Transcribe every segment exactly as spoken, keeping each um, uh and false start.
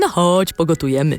No chodź, pogotujemy.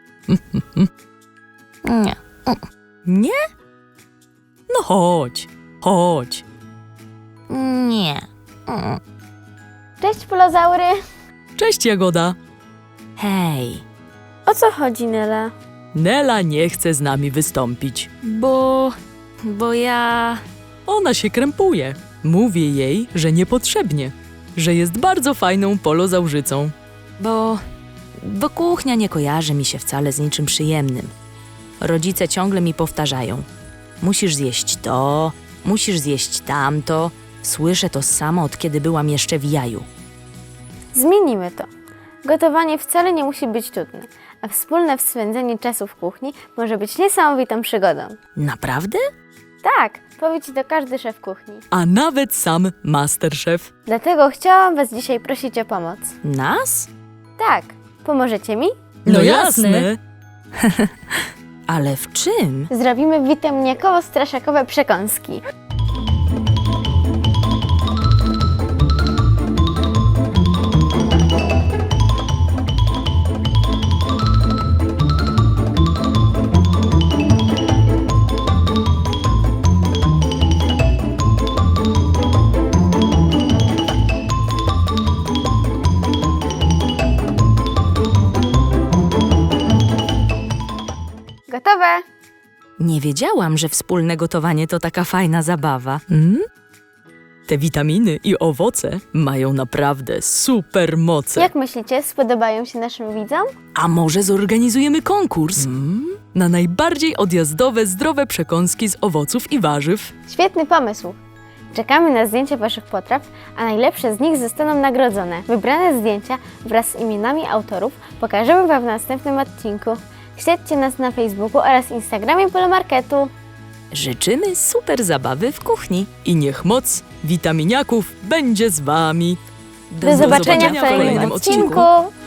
Nie. Nie? No chodź, chodź. Nie. Cześć, polozaury! Cześć, Jagoda. Hej, O co chodzi, Nela? Nela nie chce z nami wystąpić. bo... bo ja... Ona się krępuje. Mówię jej, że niepotrzebnie, że jest bardzo fajną polozaużycą. bo... bo kuchnia nie kojarzy mi się wcale z niczym przyjemnym. Rodzice ciągle mi powtarzają. Musisz zjeść to, musisz zjeść tamto. Słyszę to samo, od kiedy byłam jeszcze w jaju. Zmienimy to. Gotowanie wcale nie musi być trudne, a wspólne spędzenie czasu w kuchni może być niesamowitą przygodą. Naprawdę? Tak, powie ci to każdy szef kuchni. A nawet sam masterchef. Dlatego chciałam was dzisiaj prosić o pomoc. Nas? Tak, pomożecie mi? No jasne. Ale w czym? Zrobimy witaminiakowo-straszakowe przekąski. Gotowe! Nie wiedziałam, że wspólne gotowanie to taka fajna zabawa. Mm? Te witaminy i owoce mają naprawdę super moce. Jak myślicie, spodobają się naszym widzom? A może zorganizujemy konkurs? Mm? Na najbardziej odjazdowe, zdrowe przekąski z owoców i warzyw. Świetny pomysł! Czekamy na zdjęcia waszych potraw, a najlepsze z nich zostaną nagrodzone. Wybrane zdjęcia wraz z imionami autorów pokażemy wam w następnym odcinku. Śledźcie nas na Facebooku oraz Instagramie Polomarketu. Życzymy super zabawy w kuchni. I niech moc witaminiaków będzie z wami. Do, zobaczenia w kolejnym odcinku.